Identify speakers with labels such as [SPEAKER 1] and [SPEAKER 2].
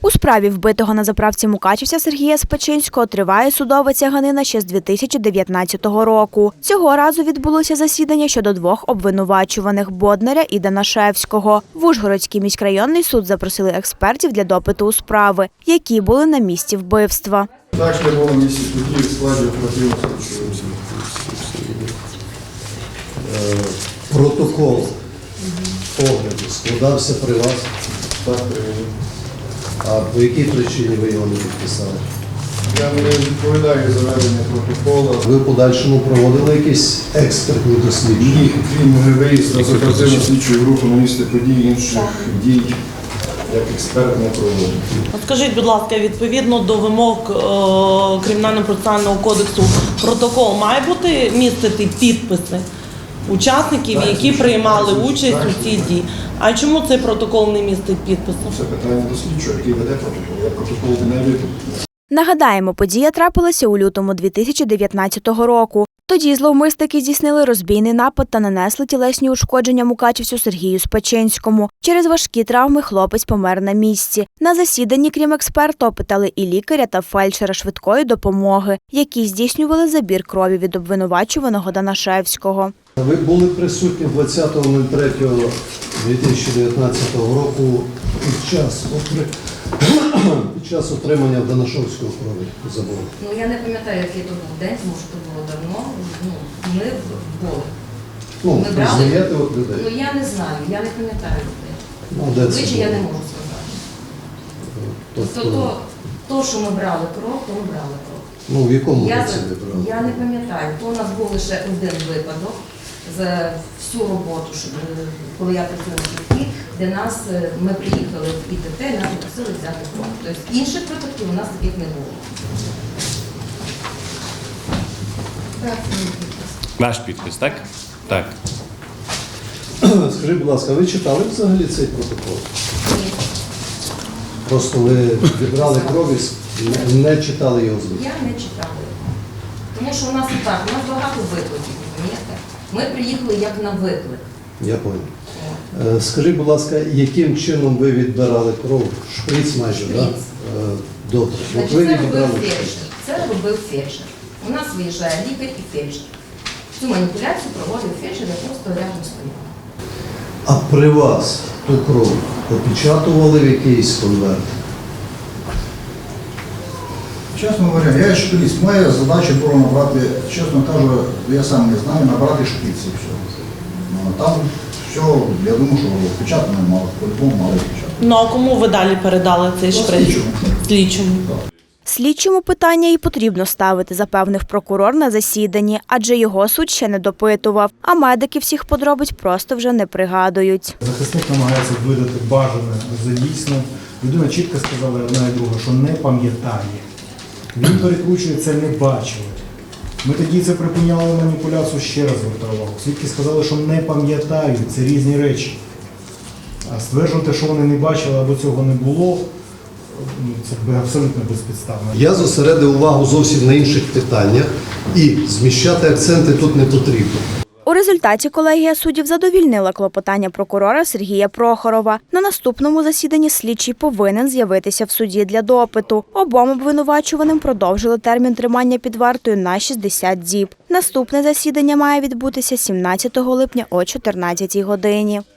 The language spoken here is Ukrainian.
[SPEAKER 1] У справі вбитого на заправці мукачівця Сергія Спачинського триває судова тяганина ще з 2019 року. Цього разу відбулося засідання щодо двох обвинувачуваних – Боднаря і Данашевського. В Ужгородський міськрайонний суд запросили експертів для допиту у справи, які були на місці вбивства.
[SPEAKER 2] Так, що було на місці події в складі оперативного слідчого.
[SPEAKER 3] Протокол огляду складався при вас.
[SPEAKER 2] Так, привели.
[SPEAKER 3] А по якій причині ви його не підписали?
[SPEAKER 2] Я не відповідаю за ведення протоколу.
[SPEAKER 3] Ви в подальшому проводили якісь експертні дослідження?
[SPEAKER 2] Ні, крім виїзду з оперативно слідчої групи на місце подій, інших дій, як експерт не проводив.
[SPEAKER 4] Скажіть, будь ласка, відповідно до вимог Кримінально-процесуального кодексу, протокол має бути містити підписи учасників, які приймали участь у цій дії. А чому цей протокол не містить підпису?
[SPEAKER 2] Це питання до слідчого, який веде протокол. Я протокол не веду.
[SPEAKER 1] Нагадаємо, подія трапилася у лютому 2019 року. Тоді зловмисники здійснили розбійний напад та нанесли тілесні ушкодження мукачівцю Сергію Спачинському. Через важкі травми хлопець помер на місці. На засіданні, крім експерта, опитали і лікаря та фельдшера швидкої допомоги, які здійснювали забір крові від обвинувачуваного Данашевського.
[SPEAKER 3] Ви були присутні 20.03.2019 року під час отримання Данашевського крові забору.
[SPEAKER 5] Ну, я не пам'ятаю, який то був день, тому що то було давно. Ми були. Ми брали.
[SPEAKER 3] Знаєте от людей?
[SPEAKER 5] Ну, я не знаю, я не пам'ятаю людей.
[SPEAKER 3] Ну, де це
[SPEAKER 5] Обличчя я
[SPEAKER 3] було?
[SPEAKER 5] не можу сказати.
[SPEAKER 3] Тобто,
[SPEAKER 5] То, що ми брали кров, то ми брали кров.
[SPEAKER 3] ну, в якому
[SPEAKER 5] Я
[SPEAKER 3] році ви брали?
[SPEAKER 5] не пам'ятаю. То у нас був лише один випадок за всю роботу, коли я працюю на швидкій, де ми приїхали в ІТТ, і нас попросили взяти кров. Тобто інших випадків у нас таких не було.
[SPEAKER 6] Ваш підпис, так? Так.
[SPEAKER 3] Скажіть, будь ласка, ви читали взагалі цей протокол?
[SPEAKER 5] Ні.
[SPEAKER 3] Просто ви відбрали кров і не читали його звук?
[SPEAKER 5] Я не читала його. Тому що у нас і так, у нас багато викликів, розумієте? Ми приїхали як на виклик.
[SPEAKER 3] Я понял. Скажіть, будь ласка, яким чином ви відбирали кров? Шприц майже, так?
[SPEAKER 5] Шприц.
[SPEAKER 3] Добре. От
[SPEAKER 5] Значить,
[SPEAKER 3] ви
[SPEAKER 5] це робив
[SPEAKER 3] відбирали
[SPEAKER 5] фельдшер.
[SPEAKER 3] шприц.
[SPEAKER 5] Це робив фельдшер. У нас виїжджає лікар і фельдшер. Цю маніпуляцію проводив фельдшер, я просто рядом стояла.
[SPEAKER 3] А при вас ту кров опечатували в якийсь конверт?
[SPEAKER 7] Чесно говоря, я шприц. Моя задача була набрати, чесно кажу, я сам не знаю, набрати шприц і все. Ну, а там все, я думаю, що впечатано мало, по-любому мало впечатано.
[SPEAKER 4] Ну а кому ви далі передали цей шприц?
[SPEAKER 7] Слідчому.
[SPEAKER 4] Слідчому.
[SPEAKER 1] Слідчому питання і потрібно ставити, запевнив прокурор на засіданні, адже його суд ще не допитував, а медики всіх подробиць просто вже не пригадують.
[SPEAKER 8] Захисник намагається видати бажане за дійсне. Людина чітко сказала одна і друга, що не пам'ятає. Він перекручує це «не бачили». Ми тоді це припиняли маніпуляцію, ще раз звертаю увагу. Свідки сказали, що не пам'ятають, це різні речі. А стверджувати, що вони не бачили або цього не було, це абсолютно безпідставно.
[SPEAKER 3] Я зосередив увагу зовсім на інших питаннях і зміщати акценти тут не потрібно.
[SPEAKER 1] У результаті колегія суддів задовільнила клопотання прокурора Сергія Прохорова. На наступному засіданні слідчий повинен з'явитися в суді для допиту. Обом обвинувачуваним продовжили термін тримання під вартою на 60 діб. Наступне засідання має відбутися 17 липня о 14 годині.